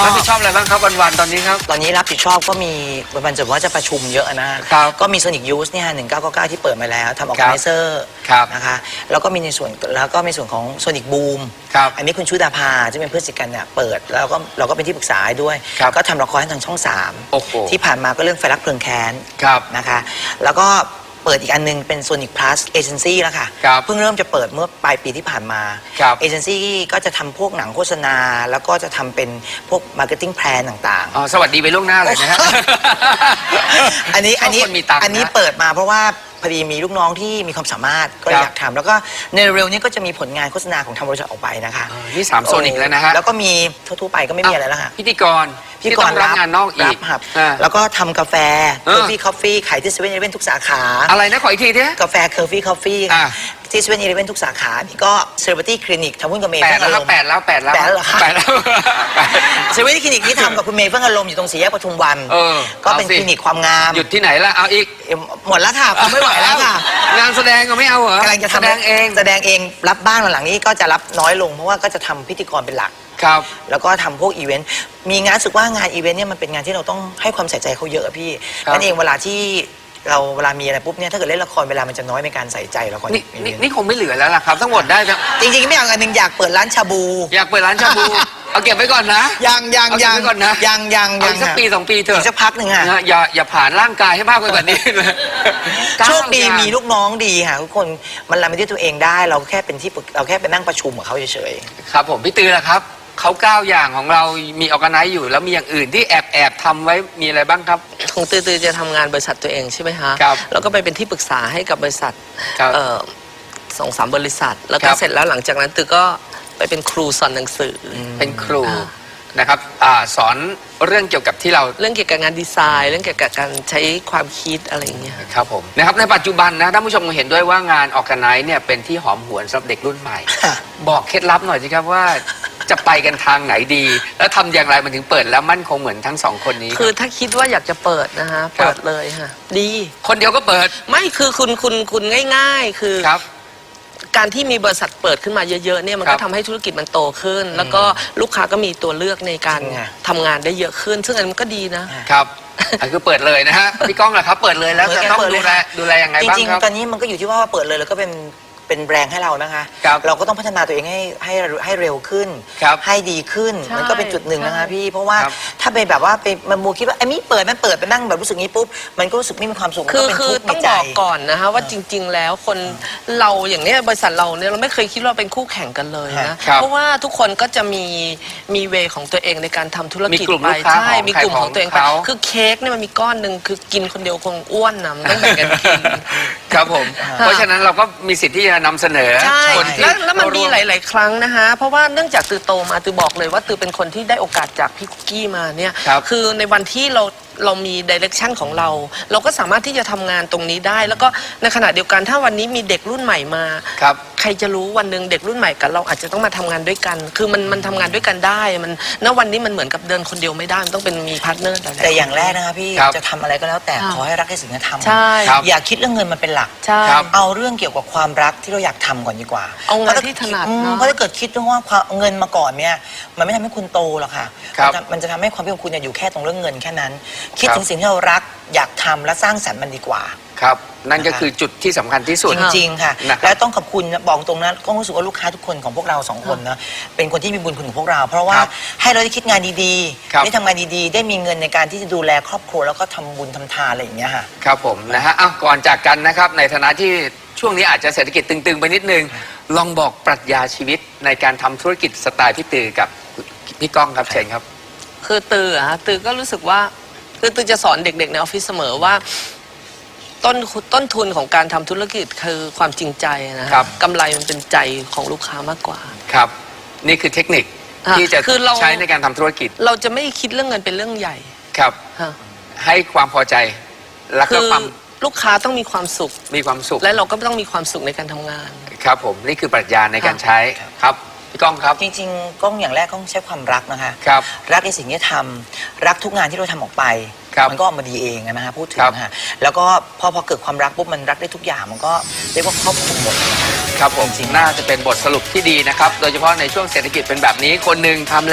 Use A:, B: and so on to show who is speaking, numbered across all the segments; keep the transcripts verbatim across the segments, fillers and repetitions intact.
A: รับผิดชอบอะไรบ้างครับวันๆตอนนี้ครับ
B: ตอนนี้รับผิดชอบก็มีวันๆจะว่าจะประชุมเยอะนะครับก็มีโซนิกยูสเนี่ยหนึ่งเก้าเก้าเก้าที่เปิดมาแล้วทำออร์แกไนเซอร์นะคะแล้วก็มีในส่วนแล้วก็มีส่วนของโซนิกบูมอันนี้คุณชุดาภาจะเป็นเพื่อนสิกันเนี่ยเปิดแล้วก็เราก็เป็นที่ปรึกษาด้วยก็ทำละครให้ทางช่องสามที่ผ่านมาก็เรื่องไฟรักเพลิงแค้นนะคะแล้วก็เปิดอีกอันนึงเป็นโซนิกพลัสเอเจนซี่แล้วค่ะเพิ่งเริ่มจะเปิดเมื่อปลายปีที่ผ่านมาเอเจนซี่ก็จะทำพวกหนังโฆษณาแล้วก็จะทำเป็นพวกมาร์เก็ตติ้งแพลนต่างๆ
A: อ๋อสวัสดีไปล่วงหน้าเลยนะฮะ
B: อันนี้อันนี้อันนี้เปิดมาเพราะว่าพอดีมีลูกน้องที่มีความสามารถก็อยากทำแล้วก็ในเร็วนี้ก็จะมีผลงานโฆษณาของทางบริษัทออกไปนะคะ
A: นี่สามโซนิกแล้วนะฮะ
B: แล้วก็มีทั่วๆไปก็ไม่มีอะไรแล้วค่ะ
A: พิธีกร
B: พิธีกร
A: รับงานนอกอีก
B: ครับแล้วก็ทำกาแฟเคอร์ฟี่คอฟฟี่ขายที่เซเว่นอีเลฟเว่นทุกสาขา
A: อะไรนะขออีกทีเถอะ
B: กาแฟเคอร์ฟี่คอฟฟี่ที่เซเว่นอีเลฟเว่นทุกสาขานี่ก็เซเลบริตี้คลินิกทำหุ้นกับเมย์
A: แปดแล้วแปดแล้วแปดแล้ว
B: แปดแล้ว
A: แปดแล้ว
B: เซเว่นคลินิกที่ทำกับคุณเมย์เฟื่องอารมณ์อยู่ตรงสี่แยกปทุมวันก็เป็นคลินิกความงาม
A: หยุดที่ไหนละเอาอีก
B: หมดแล้วค่ะผมไม่ไหวแล้วค่ะ
A: งานแสดงก็ไม่เอาเหรอก
B: ำลังจะแสดงเองแสดงเองรับบ้างหลังๆนี้ก็จะรับน้อยลงเพราะว่าก็จะทำพิธีกรเป็นหลัก
A: ครับ
B: แล้วก็ทำพวกอีเวนต์มีงานสึกว่างานอีเวนต์เนี่ยมันเป็นงานที่เราต้องให้ความใส่ใจเขาเยอะพี่นั่นเองเวลาที่เราเวลามีอะไรปุ๊บเนี่ยถ้าเกิดเล่นละครเวลามันจะน้อยในการใส่ใจละคร
A: นี่นี่คงไม่เหลือแล้วล่ะครับทั้งหมดได้
B: จริงๆไม่อยากอันหนึ่งอยากเปิดร้านชาบู
A: อยากเปิดร้านชาบูเอาเก็บไว้ก่อนนะ
B: ยังยังยัง
A: ก่อนนะ
B: ยังยัง
A: ยังสักปีสองปีเถอะ
B: สักพักหนึ่งค่ะ
A: อย่าอย่าผ่านร่างกายให้มากไปกว่านี้เลย
B: โชคดีมีลูกน้องดีค่ะทุกคนมันรับไปด้วยตัวเองได้เราแค่เป็นที่เราแค่ไปนั่งประชุมกับเขาเฉย
A: ๆครับผมพี่ตือละครับเขาเก้าอย่างของเรามีออร์แกไนซ์อยู่แล้วมีอย่างอื่นที่แอบแอบทำไว้มีอะไรบ้างครับ
C: ของตือตือจะทำงานบริษัทตัวเองใช่ไหมคะ
A: ครับ
C: แล้วก็ไปเป็นที่ปรึกษาให้กับบริษัทสองสามบริษัทแล้วก็เสร็จแล้วหลังจากนั้นตือก็ไปเป็นครูสอนหนังสือ
A: เป็นครูนะครับสอนเรื่องเกี่ยวกับที่เรา
C: เรื่องเกี่ยวกับงานดีไซน์เรื่องเกี่ยวกับการใช้ความคิดอะไรอย่างเงี้ย
A: ครับผมนะครับในปัจจุบันนะท่านผู้ชมเห็นด้วยว่างานออร์แกไนซ์เนี่ยเป็นที่หอมหวนสำหรับเด็กรุ่นใหม่บอกเคล็ดลับหน่อยสิครับว่าจะไปกันทางไหนดีแล้วทำอย่างไรมันถึงเปิดแล้วมั่นคงเหมือนทั้งสองคนนี้
C: คือถ้าคิดว่าอยากจะเปิดนะฮะเปิดเลยค่ะดี
A: คนเดียวก็เปิด
C: ไม่คือคุณคุณคุณง่ายๆคือการที่มีบริษัทเปิดขึ้นมาเยอะๆเนี่ยมันก็ทำให้ธุรกิจมันโตขึ้นแล้วก็ลูกค้าก็มีตัวเลือกในการทำงานได้เยอะขึ้นซึ่งอันมันก็ดีนะครับ
A: คือเปิดเลยนะฮะพี่ก้องล่ะครับเปิดเลยแล้วจะต้องดูแลดูแลยังไงบ้างครับ
B: จริงๆตอนนี้มันก็อยู่ที่ว่าเปิดเลยแล้วก็เป็นเป็นแบรนด์ให้เรานะคะเราก็ต้องพัฒนาตัวเองให้ให้ให้เร็วขึ้นให้ดีขึ้นมันก็เป็นจุดหนึ่งนะคะพี่เพราะว่าถ้าไปแบบว่าไปมามัวคิดว่าไอ้มี่เปิดมันเปิดไปนั่งแบบรู้สึกงี้ปุ๊บมันก็รู้สึกไม่มีความสุข
C: คือคือต้องบอกก่อนนะคะว่าจริงๆแล้วคนเราอย่างนี้บริษัทเราเนี่ยเราไม่เคยคิดว่าเป็นคู่แข่งกันเลยนะเพราะว่าทุกคนก็จะมีมีเวของตัวเองในการทำธุรกิจไปใช่มีกลุ่มของตัวเองไปคือเค้กเนี่ยมันมีก้อนหนึ่งคือกินคนเดียวคงอ้วนนะต้องแบ่งกันกิน
A: ครับผมเพราะฉะนั้นเราก็มีสิทธิ์ที่จะนำเสนอ
C: ใช่แล้วแล้วมันมีหลายๆครั้งนะคะเพราะว่าเนื่องจากตือโตมาตือบอกเลยว่าตือเป็นคนที่ได้โอกาสจากพี่คุกกี้มาเนี่ยคือในวันที่เราเรามีดิเรกชันของเราเราก็สามารถที่จะทำงานตรงนี้ได้แล้วก็ในขณะเดียวกันถ้าวันนี้มีเด็กรุ่นใหม่มาใครจะรู้วันหนึ่งเด็กรุ่นใหม่กับเราอาจจะต้องมาทำงานด้วยกันคือมันมันทำงานด้วยกันได้มันณวันนี้มันเหมือนกับเดินคนเดียวไม่ได้มันต้องเป็นมีพาร์ทเนอร์
B: แต่อย่างแรกนะคะพี่จะทำอะไรก็แล้วแต่ขอให้รักในสิ่งที่ทำอย่าคิดเรื่องเงินมันเป็นหลักเอาเรื่องเกี่ยวกับความรักที่เราอยากทำก่อนดีกว่า
C: เอางานที่ถนัด
B: เพราะถ้าเกิดคิดว่าเงินมาก่อนเนี่ยมันไม่ทำให้คุณโตหรอกค่ะมันจะทำให้ความเป็นของคุณอยู่แค่ตรงเรื่องเงินแค่นั้นคิดถึงสิ่งที่เรารักอยากทำและสร้างสรรค์มันดีกว่า
A: ครับนั่นก็คือจุดที่สำคัญที่สุด
B: จริงๆค่ะและต้องขอบคุณบอกตรงนั้นก็รู้สึกว่าลูกค้าทุกคนของพวกเราสองคนนะเป็นคนที่มีบุญคุณของพวกเราเพราะว่าให้เราได้คิดงานดีๆได้ทำงานดีๆได้มีเงินในการที่จะดูแลครอบครัวแล้วก็ทำบุญทำทานอะไรอย่างเงี้ยค่ะ
A: ครับผมนะฮะอ้าวก่อนจากกันนะครับในฐานะที่ช่วงนี้อาจจะเศรษฐกิจตึงๆไปนิดนึงลองบอกปรัชญาชีวิตในการทำธุรกิจสไตล์พี่ตือกับพี่ก้องครับเชิญครับ
C: คือตืออะตือก็รู้สึกว่าคือตือจะสอนเด็กๆในออฟฟิศเสมอว่าต้นต้นทุนของการทำธุรกิจคือความจริงใจนะครับกำไรมันเป็นใจของลูกค้ามากกว่า
A: ครับนี่คือเทคนิคที่จะใช้ในการทำธุรกิจ
C: เราจะไม่คิดเรื่องเงินเป็นเรื่องใหญ่
A: ครับให้ความพอใจและก็ความ
C: ลูกค้าต้องมีความสุข
A: มีความสุข
C: และเราก็ต้องมีความสุขในการทำงาน
A: ครับผมนี่คือปรัชญาในการใช้ครับพี่ก้องครับ
B: จริงๆก้องอย่างแรกก้องใช้ความรักนะคะ
A: ครับ
B: รักในสิ่งที่ทำรักทุกงานที่เราทำออกไปมันก็ออกมาดีเองนะฮะพูดถึงนะฮะแล้วก็พอพอเกิดความรักปุ๊บมันรักได้ทุกอย่างมันก็เรียกว่าครอบคลุมหมด
A: ครับผมจริงน่าจะเป็นบทสรุปที่ดีนะครับโดยเฉพาะในช่วงเศรษฐกิจเป็นแบบนี้คนหนึ่งทำแล้ว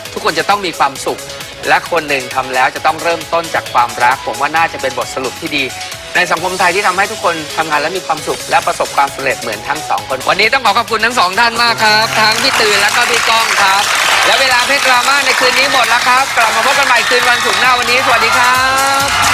A: ทุกคนจะต้องมีความสุขและคนหนึ่งทำแล้วจะต้องเริ่มต้นจากความรักผมว่าน่าจะเป็นบทสรุปที่ดีในสังคมไทยที่ทำให้ทุกคนทำงานและมีความสุขและประสบความสำเร็จเหมือนทั้งสองคนวันนี้ต้องขอขอบคุณทั้งสองท่านมากครับทั้งพี่ตื่นและก็พี่ก้องครับและเวลาเพชรดราม่าในคืนนี้หมดแล้วครับกลับมาพบกันใหม่คืนวันศุกร์หน้าวันนี้สวัสดีครับ